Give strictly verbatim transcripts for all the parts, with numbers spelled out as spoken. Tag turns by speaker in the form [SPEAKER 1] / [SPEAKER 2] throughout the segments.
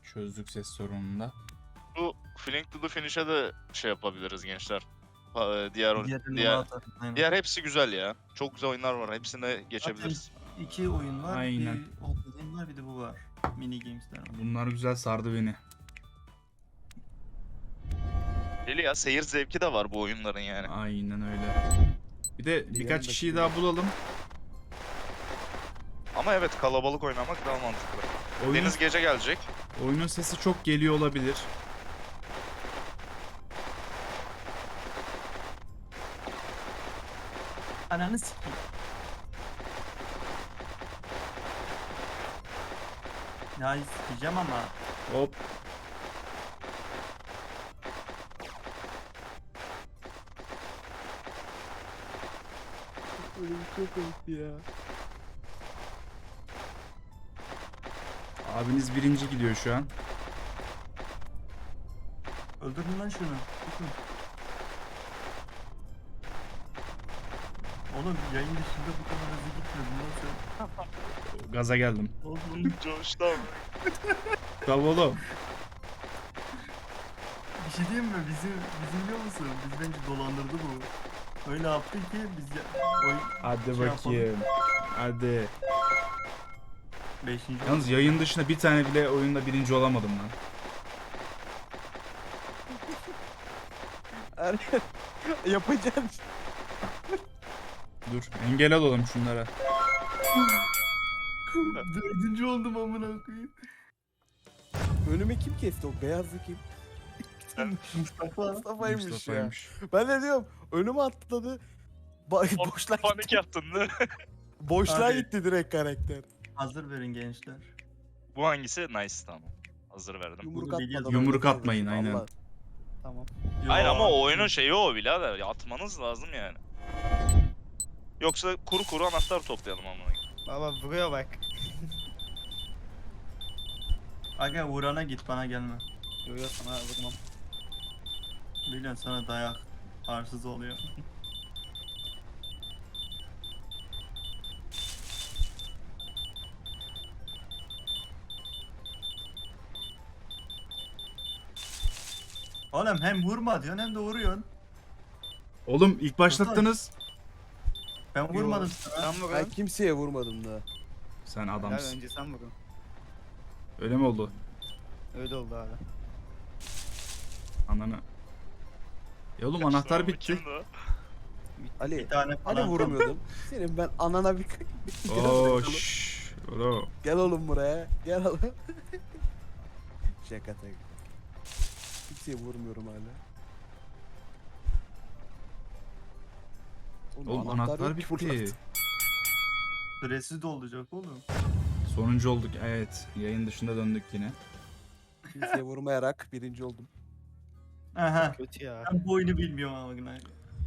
[SPEAKER 1] Çözdük ses sorununu da.
[SPEAKER 2] Bu Fling to the Finish'e de şey yapabiliriz gençler. Ha, Diğer
[SPEAKER 3] Diğer,
[SPEAKER 2] diğer,
[SPEAKER 3] Aynen.
[SPEAKER 2] diğer hepsi güzel ya. Çok güzel oyunlar var. Hepsine geçebiliriz.
[SPEAKER 3] Zaten iki oyun var.
[SPEAKER 1] Aynen.
[SPEAKER 3] Bir Old Game var, bir de bu var. Mini games'ler var.
[SPEAKER 1] Bunlar güzel sardı beni.
[SPEAKER 2] Deli ya, seyir zevki de var bu oyunların yani.
[SPEAKER 1] Aynen öyle. Bir de birkaç kişiyi daha bulalım.
[SPEAKER 2] Ama evet, kalabalık oynamak daha mantıklı.
[SPEAKER 1] Oyunun,
[SPEAKER 2] Deniz gece gelecek.
[SPEAKER 1] oyunun sesi çok geliyor olabilir.
[SPEAKER 3] Ananı sikeyim. Ya sikeceğim ama.
[SPEAKER 1] Hop.
[SPEAKER 4] Ölüm çok komikti ya.
[SPEAKER 1] Abiniz birinci gidiyor şu an.
[SPEAKER 3] Öldürün lan şunu. Tutun. Oğlum yayın dışında bu kadar hızlı gitmiyor. Bundan sonra...
[SPEAKER 1] Gaza geldim.
[SPEAKER 3] Oğlum
[SPEAKER 2] Coştu abi.
[SPEAKER 1] Tamam oğlum.
[SPEAKER 3] bir şey diyeyim mi? Bizi, bizi biliyor musun? Biz bence dolandırdı bu. Öyle yaptı ki biz ya... Oy...
[SPEAKER 1] Hadi
[SPEAKER 3] Şey
[SPEAKER 1] bakayım. Hadi.
[SPEAKER 3] Beşinci
[SPEAKER 1] Yalnız yayın dışında bir tane bile oyunda birinci olamadım lan.
[SPEAKER 4] Er- Yapacağım.
[SPEAKER 1] Dur engel olalım şunlara.
[SPEAKER 3] Dördüncü oldum amına koyayım.
[SPEAKER 4] Önüme kim kesti o beyazlı kim?
[SPEAKER 3] Mustafa.
[SPEAKER 4] Mustafa'ymış ya.
[SPEAKER 1] Mustafa'ymış.
[SPEAKER 4] Ben de diyorum önüme atladı. Ba- boşluğa
[SPEAKER 2] Panik
[SPEAKER 4] gitti.
[SPEAKER 2] yaptın değil mi?
[SPEAKER 4] Boşluğa
[SPEAKER 3] Abi.
[SPEAKER 4] gitti direkt karakter.
[SPEAKER 3] Hazır verin gençler.
[SPEAKER 2] Bu hangisi? Nice, tamam. Hazır verdim.
[SPEAKER 4] Yumruk
[SPEAKER 3] Bunu biliyoruz.
[SPEAKER 4] atmadan.
[SPEAKER 1] Yumruk
[SPEAKER 4] öyle
[SPEAKER 1] atmayın,
[SPEAKER 4] dedim.
[SPEAKER 1] aynen.
[SPEAKER 4] Vallahi. Tamam.
[SPEAKER 2] Hayır ama
[SPEAKER 3] Yo.
[SPEAKER 2] o oyunun şeyi o birader. Ya, atmanız lazım yani. Yoksa kuru kuru anahtar toplayalım ama.
[SPEAKER 4] Baba buraya bak.
[SPEAKER 3] Aga Uğran'a git, bana gelme.
[SPEAKER 4] Yo yo sana vurmam.
[SPEAKER 3] Biliyorsun sana dayak arsız oluyor. Oğlum hem vurma diyorsun hem de vuruyorsun.
[SPEAKER 1] Oğlum ilk başlattınız.
[SPEAKER 3] Ben vurmadım sana.
[SPEAKER 5] Sen
[SPEAKER 4] Ben
[SPEAKER 5] vurun.
[SPEAKER 4] kimseye vurmadım daha.
[SPEAKER 1] Sen
[SPEAKER 5] Helal,
[SPEAKER 1] adamsın.
[SPEAKER 5] önce sen vurun.
[SPEAKER 1] Öyle mi oldu?
[SPEAKER 5] Öyle oldu abi.
[SPEAKER 1] Ananı. Ya oğlum anahtar bitti.
[SPEAKER 2] Kimdi o?
[SPEAKER 4] Ali.
[SPEAKER 3] Bir tane
[SPEAKER 4] Hani
[SPEAKER 3] falan.
[SPEAKER 4] vurmuyordum. Senin ben anana bir...
[SPEAKER 1] Oo şşş. Oğlum.
[SPEAKER 4] Gel oğlum buraya. Gel oğlum. Şaka tek. Kimseye vurmuyorum hala.
[SPEAKER 1] Oğlum anahtar
[SPEAKER 4] yok ki
[SPEAKER 1] bitti.
[SPEAKER 4] burada.
[SPEAKER 3] Süresiz de olacak oğlum.
[SPEAKER 1] Sonuncu olduk evet. Yayın dışında döndük yine.
[SPEAKER 4] Kimseye vurmayarak birinci oldum.
[SPEAKER 3] Aha.
[SPEAKER 5] Kötü ya.
[SPEAKER 3] Ben bu oyunu bilmiyorum ama günah.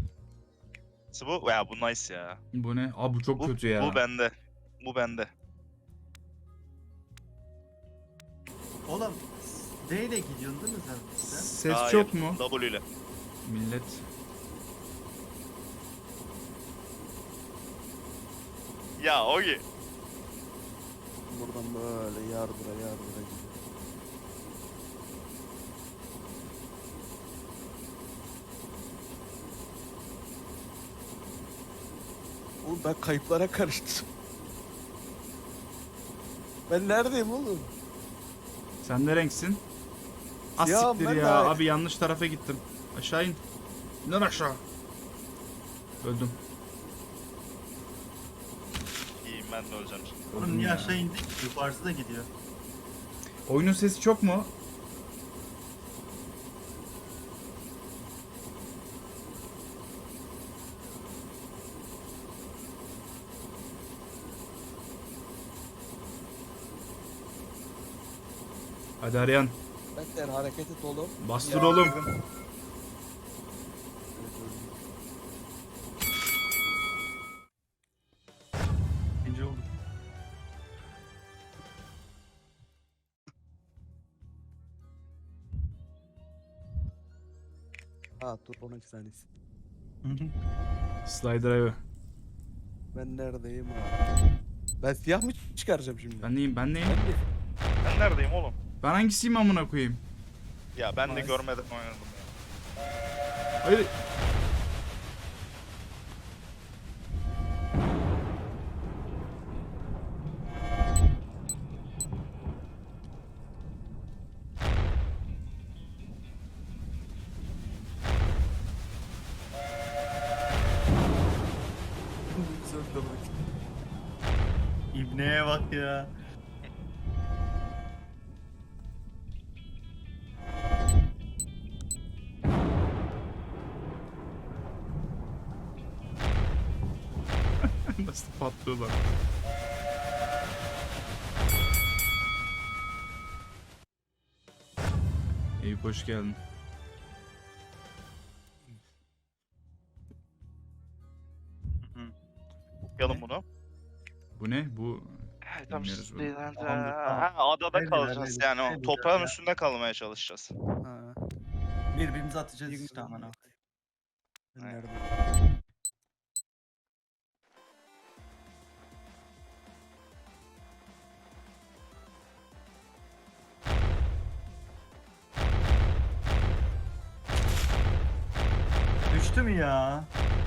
[SPEAKER 2] Bu ya, bu nice ya.
[SPEAKER 1] Bu ne? Aa bu çok
[SPEAKER 2] Bu,
[SPEAKER 1] kötü ya.
[SPEAKER 2] bu bende. Bu bende.
[SPEAKER 3] Oğlum D ile gidiyorsun değil mi sen? sen?
[SPEAKER 1] Ses
[SPEAKER 2] Hayır,
[SPEAKER 1] çok mu?
[SPEAKER 2] W ile.
[SPEAKER 1] Millet.
[SPEAKER 2] Ya Ogi.
[SPEAKER 4] Buradan böyle yardıra yardıra gidiyor. Oğlum ben kayıplara karıştım. Ben neredeyim oğlum?
[SPEAKER 1] Sen ne renksin? Az
[SPEAKER 4] Ya
[SPEAKER 1] siktir
[SPEAKER 4] ben
[SPEAKER 1] ya.
[SPEAKER 4] de-
[SPEAKER 1] Abi yanlış tarafa gittim. Aşağı in. İn lan aşağı. Öldüm.
[SPEAKER 2] İyiyim, ben de öleceğim şimdi.
[SPEAKER 3] Oğlum
[SPEAKER 1] Öldüm
[SPEAKER 3] niye
[SPEAKER 1] ya.
[SPEAKER 3] aşağı indik? Yukarısı da gidiyor.
[SPEAKER 1] Oyunun sesi çok mu? Hadi arayan.
[SPEAKER 4] Bekler hareket et oğlum.
[SPEAKER 1] Bastır
[SPEAKER 4] Ya,
[SPEAKER 1] oğlum.
[SPEAKER 4] Evet, öldüm.
[SPEAKER 3] İkinci olduk.
[SPEAKER 4] Ha dur on iki saniyesi.
[SPEAKER 1] Slide drive.
[SPEAKER 4] Ben neredeyim abi? Ben siyah mı çıkaracağım şimdi?
[SPEAKER 1] Ben neyim? Ben neyim?
[SPEAKER 4] Ben de-
[SPEAKER 2] Ben neredeyim oğlum?
[SPEAKER 1] Ben hangisiyim amına koyayım?
[SPEAKER 2] Ya ben de
[SPEAKER 3] Nice.
[SPEAKER 2] görmedim oynadım ya.
[SPEAKER 1] Hayır.
[SPEAKER 4] Söndürdük.
[SPEAKER 3] İbneye bak ya.
[SPEAKER 1] Nasıl patlıyorlar? Eyüp hoş geldin.
[SPEAKER 2] Yapalım bunu.
[SPEAKER 1] Bu ne? Bu
[SPEAKER 2] Tam
[SPEAKER 1] Bilmiyoruz bunu.
[SPEAKER 2] şeyden de-
[SPEAKER 3] Tamamdır, tamam.
[SPEAKER 2] Ha, adada
[SPEAKER 3] Nedir,
[SPEAKER 2] kalacağız
[SPEAKER 3] nedir,
[SPEAKER 2] yani. O
[SPEAKER 3] nedir
[SPEAKER 2] toprağın
[SPEAKER 3] ya?
[SPEAKER 2] üstünde kalmaya çalışacağız.
[SPEAKER 4] Ha.
[SPEAKER 3] Birbirimize atacağız işte aman ha.
[SPEAKER 4] Nerede?
[SPEAKER 3] Düştü mü ya?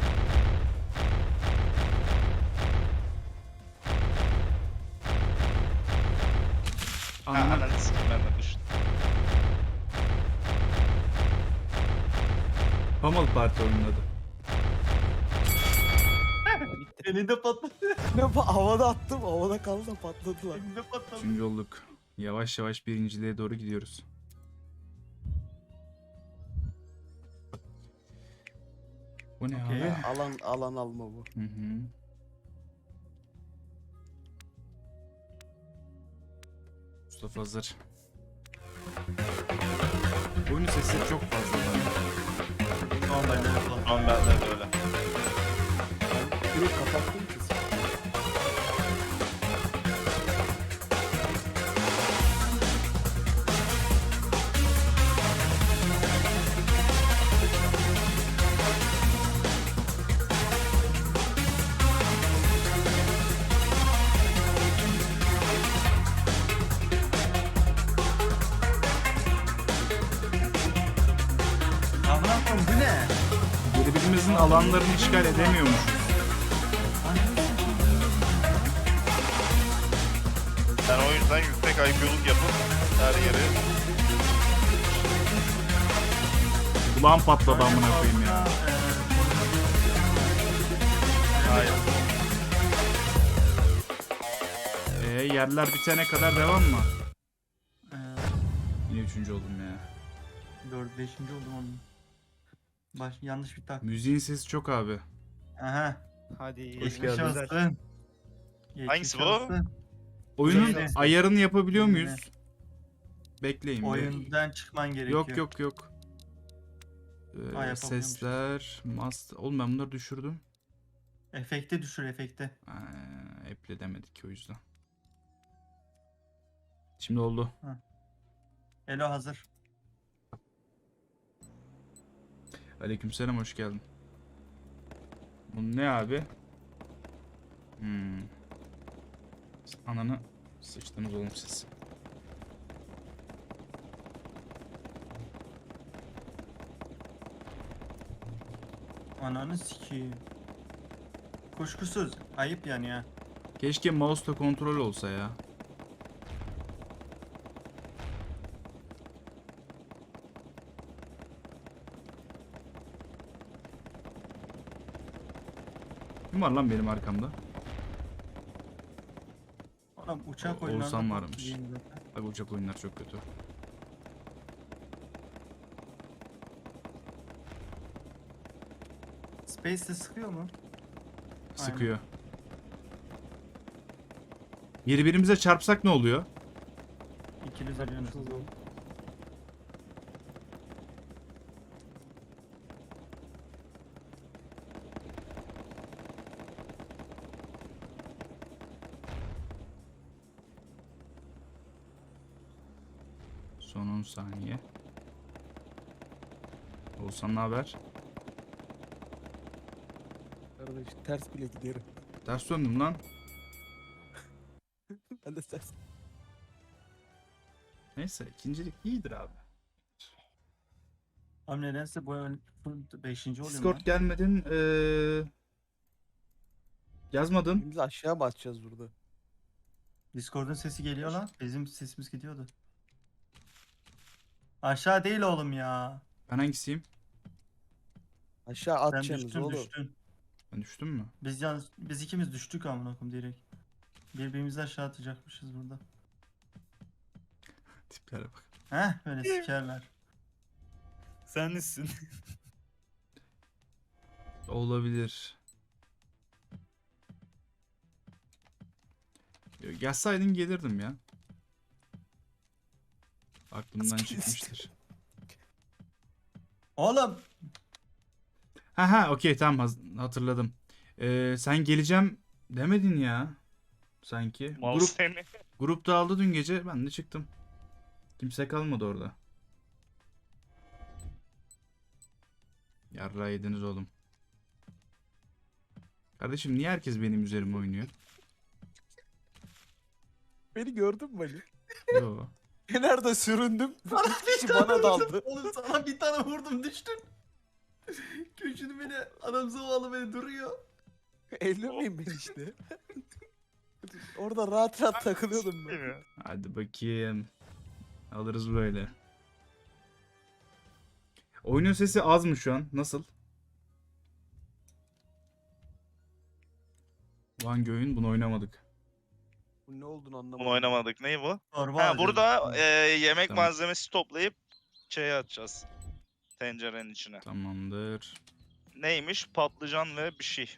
[SPEAKER 2] Ha,
[SPEAKER 1] ananı
[SPEAKER 2] ananı sikeyim ben de düştüm.
[SPEAKER 1] Pummel Parti oynadı.
[SPEAKER 3] Elinde patladı.
[SPEAKER 4] Ne bu havada attım, havada kaldı da patladılar.
[SPEAKER 3] Elinde patladı.
[SPEAKER 1] Üçüncü olduk. Yavaş yavaş birinciliğe doğru gidiyoruz. Bu ne
[SPEAKER 3] Okey.
[SPEAKER 1] abi?
[SPEAKER 4] Ha, alan alan alma bu.
[SPEAKER 1] Hı hı. Mustafa hazır. Oyunun sesleri çok fazla.
[SPEAKER 3] Normalde patladı.
[SPEAKER 2] Şu an bende de öyle.
[SPEAKER 4] Ben direkt kapattım ki.
[SPEAKER 3] Aman Allah'ım bu ne?
[SPEAKER 1] Birbirimizin alanlarını işgal edemiyormuşuz.
[SPEAKER 2] Ben o yüzden yüksek I Q'luk yapıp her yeri
[SPEAKER 1] Kulağım patladı amına koyayım ya.
[SPEAKER 2] hayır.
[SPEAKER 1] Ee, yerler bitene kadar devam mı?
[SPEAKER 3] Ee,
[SPEAKER 1] Yine üçüncü oldum ya.
[SPEAKER 3] dört, beşinci oldum onun. Baş, yanlış bir tak.
[SPEAKER 1] Müziğin sesi çok abi.
[SPEAKER 3] Aha.
[SPEAKER 4] Hadi.
[SPEAKER 3] Geçmiş olsun. Geçmiş
[SPEAKER 2] Hangisi bu?
[SPEAKER 3] olsun.
[SPEAKER 1] Oyunun
[SPEAKER 3] Yine.
[SPEAKER 1] ayarını yapabiliyor
[SPEAKER 3] Yine.
[SPEAKER 1] muyuz? Bekleyin. bir.
[SPEAKER 3] Oyundan çıkman gerekiyor.
[SPEAKER 1] Yok yok yok. Ee,
[SPEAKER 3] Ha, yapabiliyormuşuz.
[SPEAKER 1] sesler, master. Oğlum ben bunları düşürdüm.
[SPEAKER 3] Efekte düşür efekte.
[SPEAKER 1] Ee, Apple'edemedik ki o yüzden. Şimdi oldu.
[SPEAKER 3] Elo hazır.
[SPEAKER 1] Aleykümselam hoş geldin. Bu ne abi? Hmm. Ananı sıçtınız oğlum siz.
[SPEAKER 3] Ananı sikeyim. Kuşkusuz. Ayıp yani ya.
[SPEAKER 1] Keşke mouse'la kontrol olsa ya. Kim var lan benim arkamda?
[SPEAKER 3] Oğlum uçak
[SPEAKER 1] O-
[SPEAKER 3] oyunlarında
[SPEAKER 1] Oğuzhan
[SPEAKER 3] bok
[SPEAKER 1] varmış.
[SPEAKER 3] gibiyim zaten.
[SPEAKER 1] Bak uçak oyunlar çok kötü.
[SPEAKER 3] Space'de sıkıyor mu?
[SPEAKER 1] Sıkıyor. Birbirimize çarpsak ne oluyor?
[SPEAKER 3] İkili zarıyorsunuz.
[SPEAKER 1] Son on saniye. Oğuzhan ne haber?
[SPEAKER 4] Kardeş ters bile giderim.
[SPEAKER 1] Ters döndüm lan.
[SPEAKER 4] Ben de ters.
[SPEAKER 1] Neyse ikincilik iyidir abi.
[SPEAKER 3] Abi nedense bu ön beşinci oluyor
[SPEAKER 1] Discord gelmedin. Ee, yazmadın.
[SPEAKER 4] Biz aşağı mı atacağız burada?
[SPEAKER 3] Discord'un sesi geliyor lan. Bizim sesimiz gidiyordu. Aşağı değil oğlum ya.
[SPEAKER 1] Ben hangisiyim?
[SPEAKER 4] Aşağı
[SPEAKER 3] Sen
[SPEAKER 4] atacaksınız
[SPEAKER 3] düştün
[SPEAKER 4] oğlum.
[SPEAKER 3] düştün.
[SPEAKER 1] Ben düştüm mü?
[SPEAKER 3] Biz yalnız biz ikimiz düştük amına koyayım direkt. Birbirimizi aşağı atacakmışız burada.
[SPEAKER 1] Tiplere bak.
[SPEAKER 3] Heh böyle sikerler.
[SPEAKER 2] Sen nesin?
[SPEAKER 1] Olabilir. Yo, Gelseydin gelirdim ya. Aklımdan çıkmıştır.
[SPEAKER 3] Oğlum
[SPEAKER 1] Ha ha okey tamam haz- hatırladım. Ee, sen geleceğim demedin ya. Sanki.
[SPEAKER 2] Mal
[SPEAKER 1] Grup,
[SPEAKER 2] seni.
[SPEAKER 1] grup dağıldı dün gece ben de çıktım. Kimse kalmadı orada. Yarrağı yediniz oğlum. Kardeşim niye herkes benim üzerime oynuyor?
[SPEAKER 4] Beni gördün mü Ali?
[SPEAKER 1] Yo.
[SPEAKER 4] Kenarda süründüm. Bir kişi bana daldı.
[SPEAKER 3] oğlum sana bir tane vurdum düştün. Köşünü beni adam zavallı beni duruyor.
[SPEAKER 4] Ellemeyin beni işte. Orada rahat rahat takılıyordum ben.
[SPEAKER 1] Hadi bakayım. Alırız böyle. Oyunun sesi az mı şu an? Nasıl? Bu hangi oyun? Bunu oynamadık.
[SPEAKER 4] Bu ne olduğunu anlamadım.
[SPEAKER 2] Bunu oynamadık. Ney bu?
[SPEAKER 3] Torba
[SPEAKER 2] Ha,
[SPEAKER 3] alacağız.
[SPEAKER 2] burada e, yemek
[SPEAKER 1] Tamam.
[SPEAKER 2] malzemesi toplayıp şeye atacağız. Tencerenin içine.
[SPEAKER 1] Tamamdır.
[SPEAKER 2] Neymiş? Patlıcan ve bir şey.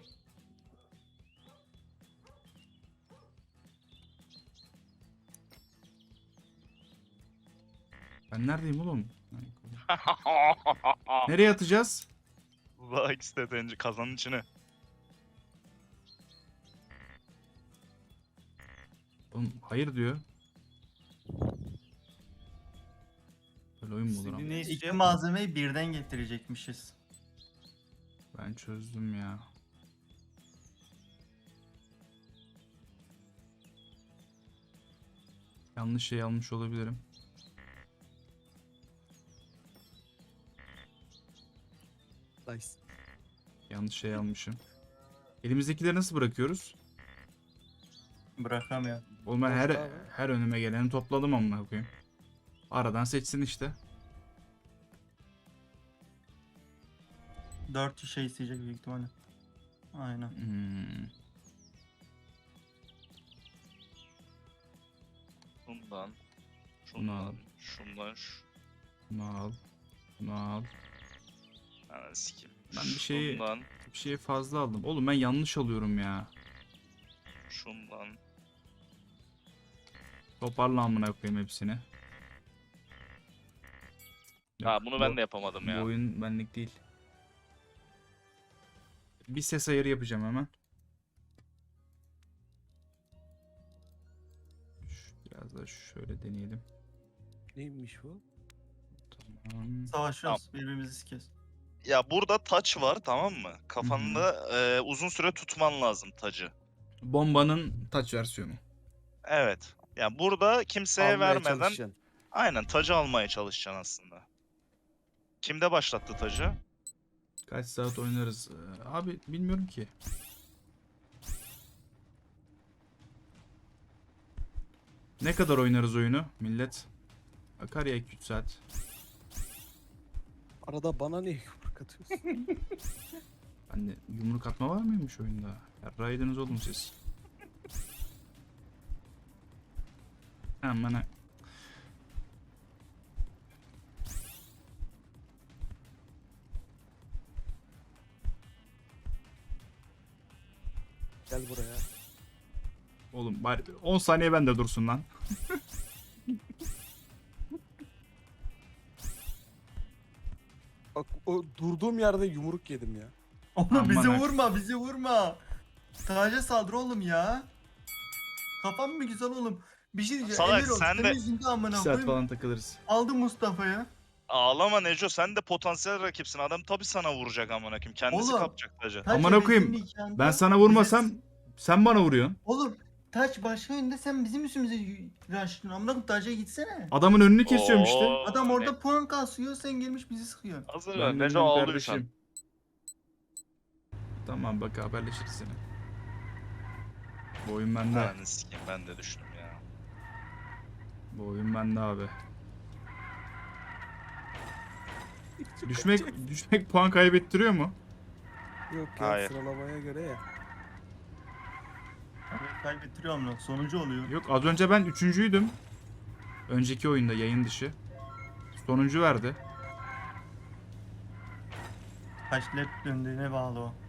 [SPEAKER 1] Ben neredeyim oğlum? Nereye atacağız?
[SPEAKER 2] Bak işte tencere kazanın içine.
[SPEAKER 1] Oğlum hayır diyor. Böyle oyun mu olur ama?
[SPEAKER 2] Ne
[SPEAKER 3] İki
[SPEAKER 2] istiyor?
[SPEAKER 3] malzemeyi birden getirecekmişiz.
[SPEAKER 1] Ben çözdüm ya. Yanlış şey almış olabilirim.
[SPEAKER 4] Nice.
[SPEAKER 1] Yanlış şey almışım. Elimizdekileri nasıl bırakıyoruz?
[SPEAKER 3] Bırakamıyor.
[SPEAKER 1] Oğlum ben her
[SPEAKER 4] Boşta abi.
[SPEAKER 1] her önüme geleni topladım amına koyayım. Aradan seçsin işte.
[SPEAKER 3] Dört şey isteyecek büyük ihtimalle. Aynen.
[SPEAKER 1] Hmm.
[SPEAKER 2] Şundan.
[SPEAKER 1] Bunu al.
[SPEAKER 2] Şundan. Şundan. Şu.
[SPEAKER 1] Bunu al. Bunu al.
[SPEAKER 2] Ananı sikeyim.
[SPEAKER 1] Ben bir şeyi-
[SPEAKER 2] Şundan.
[SPEAKER 1] Bir şeyi fazla aldım. Oğlum ben yanlış alıyorum ya.
[SPEAKER 2] Şundan.
[SPEAKER 1] Toparla amına koyayım hepsini. Yok,
[SPEAKER 2] Ha bunu ben
[SPEAKER 1] bu-
[SPEAKER 2] de yapamadım
[SPEAKER 1] Bu
[SPEAKER 2] ya.
[SPEAKER 1] oyun benlik değil. Bir ses ayarı yapacağım hemen. Şu- Biraz da şöyle deneyelim.
[SPEAKER 4] Neymiş bu?
[SPEAKER 1] Tamam.
[SPEAKER 3] Savaşıyoruz. Birbirimizi sikiyoruz.
[SPEAKER 2] Ya burada taç var tamam mı? Kafanda e, uzun süre tutman lazım tacı.
[SPEAKER 1] Bombanın touch versiyonu.
[SPEAKER 2] Evet. Yani burada kimseye
[SPEAKER 4] Almaya
[SPEAKER 2] vermeden
[SPEAKER 4] çalışacaksın.
[SPEAKER 2] aynen tacı almaya çalışacaksın aslında. Kimde başlattı tacı?
[SPEAKER 1] Kaç saat oynarız? Ee, Abi bilmiyorum ki. Ne kadar oynarız oyunu millet? Akar ya iki üç saat.
[SPEAKER 4] Arada bana niye yumruk atıyorsun?
[SPEAKER 1] Ben de yumruk atma var mıymış oyunda? Yarraydınız oğlum siz. Hemen ha-
[SPEAKER 4] Gel buraya.
[SPEAKER 1] Oğlum bari on saniye bende dursun lan.
[SPEAKER 4] Bak o durduğum yerde yumruk yedim ya.
[SPEAKER 3] Oğlum
[SPEAKER 1] Aman
[SPEAKER 3] bizi
[SPEAKER 1] ha.
[SPEAKER 3] vurma, bizi vurma. Taca saldır oğlum ya. Kafam mı güzel oğlum? Bir şey diyeceğim.
[SPEAKER 2] Salak,
[SPEAKER 3] Emir ol,
[SPEAKER 2] sen
[SPEAKER 3] senin
[SPEAKER 2] de-
[SPEAKER 3] yüzünden
[SPEAKER 1] iki
[SPEAKER 3] amına
[SPEAKER 1] saat
[SPEAKER 3] koyayım.
[SPEAKER 1] falan takılırız.
[SPEAKER 3] Aldım Mustafa'yı.
[SPEAKER 2] Ağlama Neco, sen de potansiyel rakipsin. Adam tabii sana vuracak amına koyayım. Kendisi
[SPEAKER 3] Oğlum.
[SPEAKER 2] kapacak tacı.
[SPEAKER 3] Taç
[SPEAKER 1] Amına koyayım,
[SPEAKER 3] hevesinin nikahında
[SPEAKER 1] Ben sana vurmasam
[SPEAKER 3] bizi-
[SPEAKER 1] sen bana vuruyorsun.
[SPEAKER 3] Oğlum Taç başka yönde, sen bizim üstümüze y- rushlıyorsun. Amına koyayım, taca gitsene.
[SPEAKER 1] Adamın önünü kesiyorum işte.
[SPEAKER 2] Oo,
[SPEAKER 3] Adam orada
[SPEAKER 2] ne-
[SPEAKER 3] puan kasıyor, sen gelmiş bizi sıkıyorsun.
[SPEAKER 2] Hazır
[SPEAKER 1] Ben
[SPEAKER 2] ver.
[SPEAKER 1] de
[SPEAKER 2] Neco
[SPEAKER 1] dedim
[SPEAKER 2] ağlıyorsan.
[SPEAKER 1] kardeşim. Tamam bak haberleşiriz seni. Bu oyun bende.
[SPEAKER 2] Ananı sikeyim, ben de düştüm ya.
[SPEAKER 1] Bu oyun bende abi. Düşmek düşmek puan kaybettiriyor mu?
[SPEAKER 4] Yok ya
[SPEAKER 2] Hayır.
[SPEAKER 4] sıralamaya göre ya.
[SPEAKER 3] Abi kaybettiriyor amına, sonucu oluyor.
[SPEAKER 1] Yok az önce ben üçüncüydüm. Önceki oyunda yayın dışı. Sonuncu verdi.
[SPEAKER 3] Kaç lap döndüğüne bağlı o.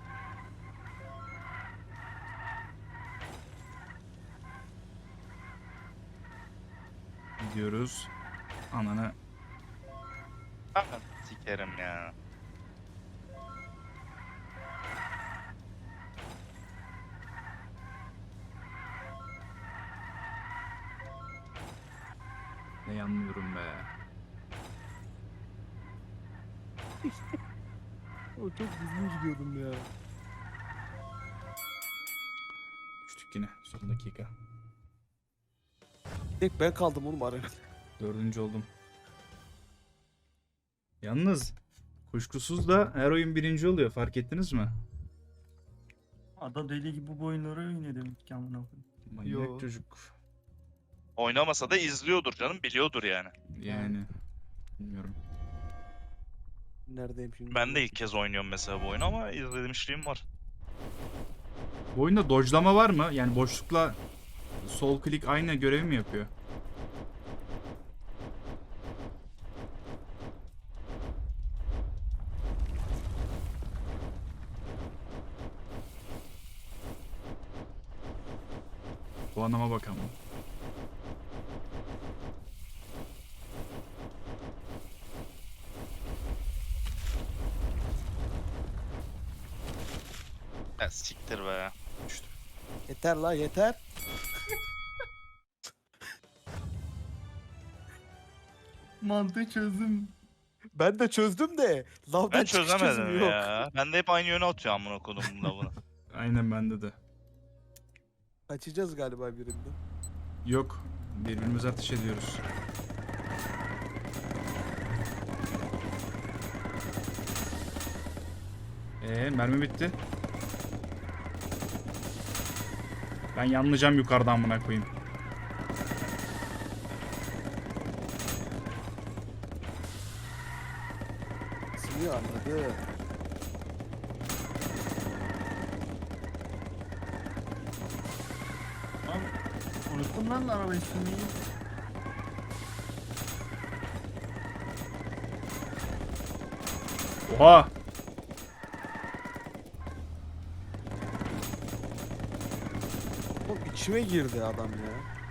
[SPEAKER 1] Gidiyoruz. Ananı.
[SPEAKER 2] Aman sikerim ya.
[SPEAKER 1] Ne yanmıyorum be.
[SPEAKER 4] O çok düzgün gidiyordum ya.
[SPEAKER 1] Düştük yine son dakika.
[SPEAKER 4] Tek ben kaldım oğlum arenada.
[SPEAKER 1] Dördüncü oldum. Yalnız kuşkusuz da her oyun birinci oluyor, fark ettiniz mi?
[SPEAKER 3] Adam deli gibi bu oyunları oynuyor demek ki amına koyayım.
[SPEAKER 1] Manyak
[SPEAKER 4] Yo.
[SPEAKER 1] çocuk.
[SPEAKER 2] Oynamasa da izliyordur canım, biliyordur yani.
[SPEAKER 1] Yani bilmiyorum.
[SPEAKER 4] Neredeyim şimdi?
[SPEAKER 2] Ben de ilk kez oynuyorum mesela bu oyunu ama izlemişliğim var.
[SPEAKER 1] Bu oyunda dodge'lama var mı? Yani boşlukla sol klik aynı görevi mi yapıyor? Puanıma bakalım.
[SPEAKER 2] Ya siktir be.
[SPEAKER 1] Düştüm.
[SPEAKER 4] Yeter la yeter.
[SPEAKER 3] Mantığı çözdüm.
[SPEAKER 4] Ben de çözdüm de. Lavdan
[SPEAKER 2] Ben
[SPEAKER 4] çıkış
[SPEAKER 2] çözemedim
[SPEAKER 4] çözümü yok.
[SPEAKER 2] ya. Ben de hep aynı yöne atıyor amına kodum bunda bunu.
[SPEAKER 1] Aynen bende de.
[SPEAKER 4] Kaçacağız galiba birinde.
[SPEAKER 1] Yok. Birbirimize ateş ediyoruz. Ee, mermi bitti. Ben yanlayacağım yukarıdan buna koyayım.
[SPEAKER 4] Sınıyor anladı.
[SPEAKER 3] Lan unuttum lan arabayı sürmeyi.
[SPEAKER 1] Oha!
[SPEAKER 4] Oğlum içime girdi adam ya.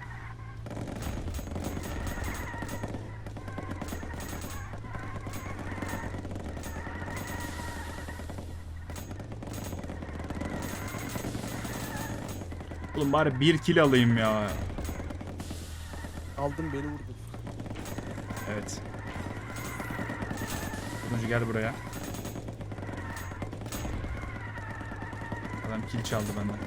[SPEAKER 1] Oğlum bari bir kill alayım ya.
[SPEAKER 4] Aldım beni vurdun.
[SPEAKER 1] Evet. Turuncu gel buraya. Adam kill çaldı benden.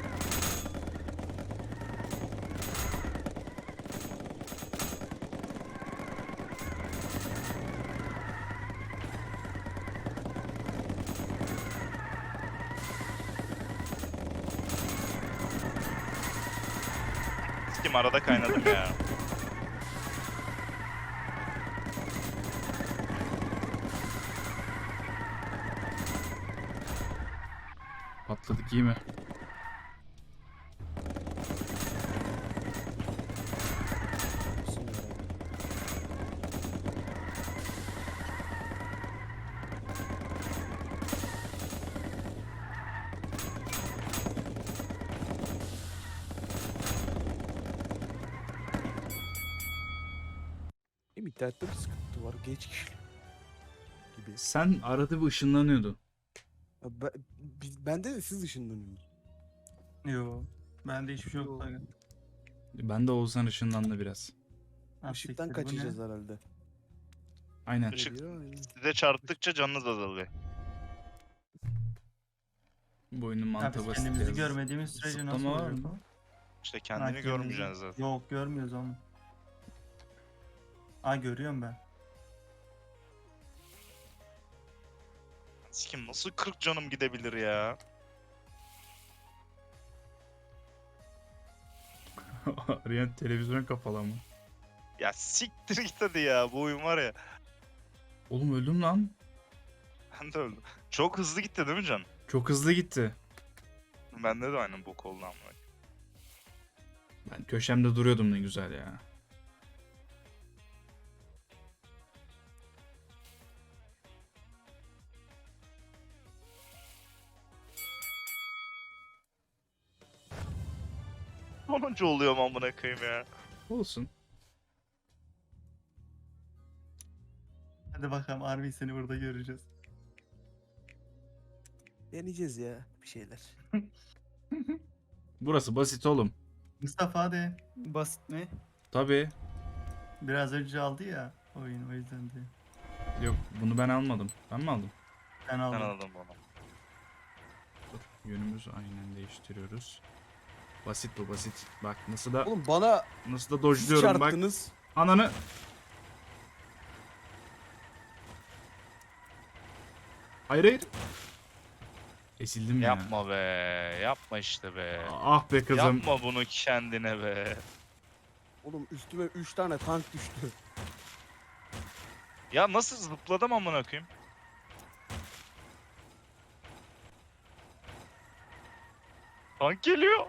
[SPEAKER 2] Sikim arada kaynadım ya.
[SPEAKER 1] Patladık iyi mi?
[SPEAKER 4] Sınıyor abi. Benim internette bir sıkıntı var. Geç geliyor gibi.
[SPEAKER 1] Sen arada bir ışınlanıyordun.
[SPEAKER 4] Ya Ben, biz, bende de siz ışınlanıyorsunuz.
[SPEAKER 3] Yo. Bende hiçbir şey yok.
[SPEAKER 4] Yo.
[SPEAKER 3] Aga.
[SPEAKER 1] Ben de Oğuzhan ışınlandı biraz.
[SPEAKER 3] Ah,
[SPEAKER 4] Işıktan
[SPEAKER 3] siktir, bu ne?
[SPEAKER 4] kaçacağız herhalde.
[SPEAKER 1] Aynen.
[SPEAKER 2] Işık
[SPEAKER 4] Geliyor, aynen.
[SPEAKER 2] size çarptıkça canınız azalıyor.
[SPEAKER 1] Bu oyunun
[SPEAKER 3] Ha,
[SPEAKER 1] mantığı
[SPEAKER 3] biz
[SPEAKER 1] basit.
[SPEAKER 3] kendimizi
[SPEAKER 1] biraz.
[SPEAKER 3] görmediğimiz sürece nasıl
[SPEAKER 1] Zıplama var
[SPEAKER 3] olacak
[SPEAKER 1] mı?
[SPEAKER 3] o?
[SPEAKER 2] İşte
[SPEAKER 3] Ha,
[SPEAKER 2] kendini
[SPEAKER 3] kırmızı.
[SPEAKER 2] görmeyeceksin zaten.
[SPEAKER 3] Yok görmüyoruz onu. Aa görüyorum ben.
[SPEAKER 2] Sikim nasıl kırk canım gidebilir ya?
[SPEAKER 1] Arayan televizyon kapalı mı?
[SPEAKER 2] Ya siktir git hadi ya, bu oyun var ya.
[SPEAKER 1] Oğlum öldüm lan.
[SPEAKER 2] Ben de öldüm. Çok hızlı gitti değil mi can?
[SPEAKER 1] Çok hızlı gitti.
[SPEAKER 2] Bende de aynen bok oldu ama.
[SPEAKER 1] Ben köşemde duruyordum ne güzel ya.
[SPEAKER 2] Sonuncu oluyorum amına koyayım ya.
[SPEAKER 1] Olsun.
[SPEAKER 3] Hadi bakalım Arvi seni burada göreceğiz.
[SPEAKER 4] Deneyeceğiz ya bir şeyler.
[SPEAKER 1] Burası basit oğlum.
[SPEAKER 3] Mustafa hadi.
[SPEAKER 5] Basit mi?
[SPEAKER 1] Tabii.
[SPEAKER 3] Biraz önce aldı ya oyun o yüzden de.
[SPEAKER 1] Yok bunu ben almadım. Ben mi aldım?
[SPEAKER 3] Ben
[SPEAKER 2] Ben
[SPEAKER 3] aldım.
[SPEAKER 2] aldım bunu.
[SPEAKER 1] Dur. Yönümüzü aynen değiştiriyoruz. Basit bu basit. Bak nasıl da
[SPEAKER 4] Oğlum bana
[SPEAKER 1] nasıl da
[SPEAKER 4] siz
[SPEAKER 1] dojluyorum bak.
[SPEAKER 4] çarptınız.
[SPEAKER 1] Ananı. Hayır hayır. Esildim ya.
[SPEAKER 2] Yapma be. Yapma işte be.
[SPEAKER 1] Ah be kızım.
[SPEAKER 2] Yapma bunu kendine be.
[SPEAKER 4] Oğlum üstüme üç tane tank düştü.
[SPEAKER 2] Ya nasıl zıpladım amına koyayım? Tank geliyor.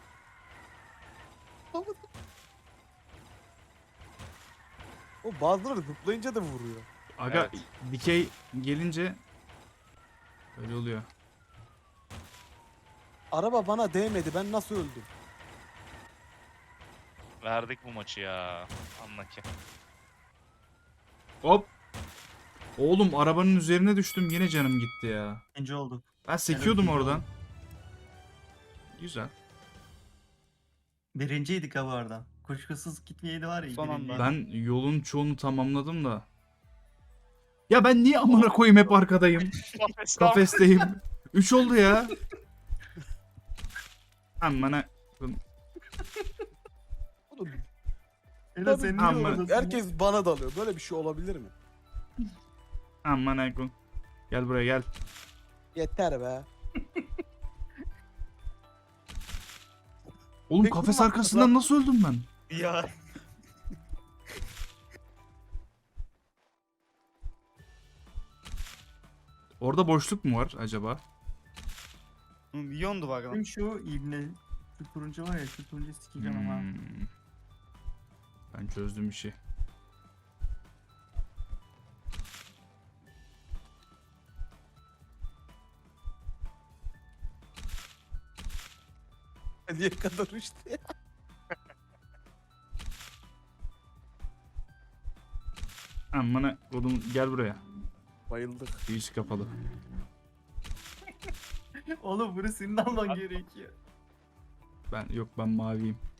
[SPEAKER 4] O bazıları zıplayınca da vuruyor.
[SPEAKER 1] Aga
[SPEAKER 2] Evet.
[SPEAKER 1] dikey gelince öyle oluyor.
[SPEAKER 4] Araba bana değmedi, ben nasıl öldüm?
[SPEAKER 2] Verdik bu maçı ya. Anla ki.
[SPEAKER 1] Hop. Oğlum arabanın üzerine düştüm yine canım gitti ya.
[SPEAKER 3] İkinci olduk.
[SPEAKER 1] Ben sekiyordum
[SPEAKER 3] ikinci
[SPEAKER 1] oradan.
[SPEAKER 3] oldum.
[SPEAKER 1] Güzel.
[SPEAKER 3] Birinciydik ha bu arada. Kuşkusuz gitmeyeydi var ya.
[SPEAKER 5] Son
[SPEAKER 3] birinciydik.
[SPEAKER 5] anda.
[SPEAKER 1] Ben yolun çoğunu tamamladım da. Ya ben niye amına koyayım hep arkadayım? Kafesteyim. üç oldu ya. Amına.
[SPEAKER 4] Oğlum
[SPEAKER 3] Ela sen niye
[SPEAKER 1] Amma-
[SPEAKER 3] oradasın?
[SPEAKER 4] herkes bana dalıyor. Böyle bir şey olabilir mi?
[SPEAKER 1] Amına koyayım. Gel buraya gel.
[SPEAKER 4] Yeter be.
[SPEAKER 1] Oğlum
[SPEAKER 4] Peki,
[SPEAKER 1] kafes
[SPEAKER 4] bu
[SPEAKER 1] arkasından nasıl öldüm ben?
[SPEAKER 2] Ya.
[SPEAKER 1] Orada boşluk mu var acaba?
[SPEAKER 5] Milyondu bak lan.
[SPEAKER 3] Benim şu ibne şu turuncu var ya şu turuncu sikeceğim ama.
[SPEAKER 1] Hmm. Ben çözdüm işi.
[SPEAKER 4] Niye kadar işte ya?
[SPEAKER 1] Amına oğlum gel buraya.
[SPEAKER 4] Bayıldık.
[SPEAKER 1] Girişi kapalı.
[SPEAKER 3] Oğlum bunu senin alman gerekiyor.
[SPEAKER 1] Ben yok ben maviyim.